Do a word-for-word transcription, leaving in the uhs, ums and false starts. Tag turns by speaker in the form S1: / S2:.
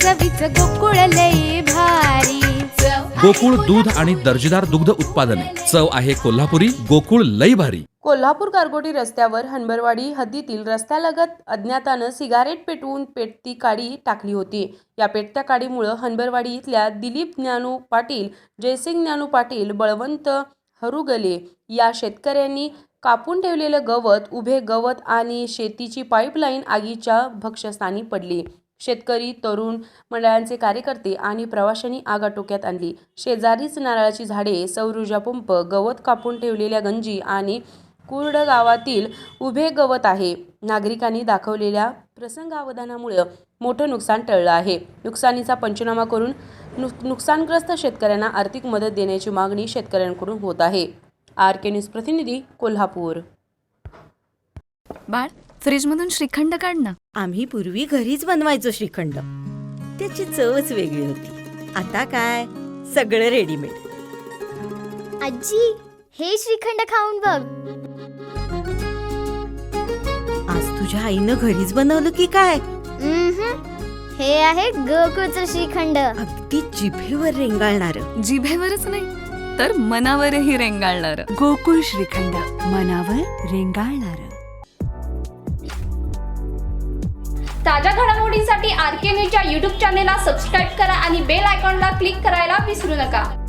S1: चवीच गोकुळ लई भारी।
S2: गोकुळ दूध आणि दर्जेदार दुग्ध उत्पादने, चव आहे कोल्हापुरी, गोकुळ लई भारी।
S3: कोल्हापूर गारगोटी रस्त्यावर हनबरवाडी हद्दीतील रस्त्यालगत अज्ञातानं सिगारेट पेटवून पेटती काडी टाकली होती। या पेटत्या काडीमुळे हनबरवाडी इथल्या दिलीप ज्ञानू पाटील, जयसिंग ज्ञानू पाटील, बळवंत हरुगले या शेतकऱ्यांनी कापून ठेवलेलं गवत, उभे गवत आणि शेतीची पाईपलाईन आगीच्या भक्ष्यस्थानी पडली। शेतकरी, तरुण मंडळांचे कार्यकर्ते आणि प्रवाशांनी आग आटोक्यात आणली। शेजारीच नारळाची झाडे, सौर ऊर्जा पंप, गवत कापून ठेवलेल्या गंजी आणि कुर्ड गावातील उभे गवत आहे। नागरिकांनी दाखवलेल्या प्रसंगावधानामुळे मोठं नुकसान टळलं आहे। नुकसानीचा पंचनामा करून नुकसानग्रस्त शेतकऱ्यांना आर्थिक मदत देण्याची मागणी शेतकऱ्यांकडून होत आहे। आर के न्यूज प्रतिनिधी, कोल्हापूर।
S4: बाळ, फ्रीजमधून श्रीखंड काढ ना।
S5: आम्ही पूर्वी घरीच बनवायचो श्रीखंड, त्याची चवच वेगळी होती। आता काय सगळं रेडीमेड।
S6: आजी, हे श्रीखंड खाऊन बघ।
S5: आज तुझ्या आईनं घरीच बनवलं की काय?
S6: हे आहे गोकुळचं श्रीखंड।
S5: अगदी जिभेवर रेंगाळणार।
S4: जिभेवरच नाही तर मनावरही रेंगाळणार।
S7: गोकुळ श्रीखंड, मनावर रेंगाळणार।
S8: ताज्या घडामोडींसाठी आर के न्यूजच्या यूट्यूब चॅनेलला सबस्क्राईब करा आणि बेल आयकॉनला क्लिक करायला विसरू नका।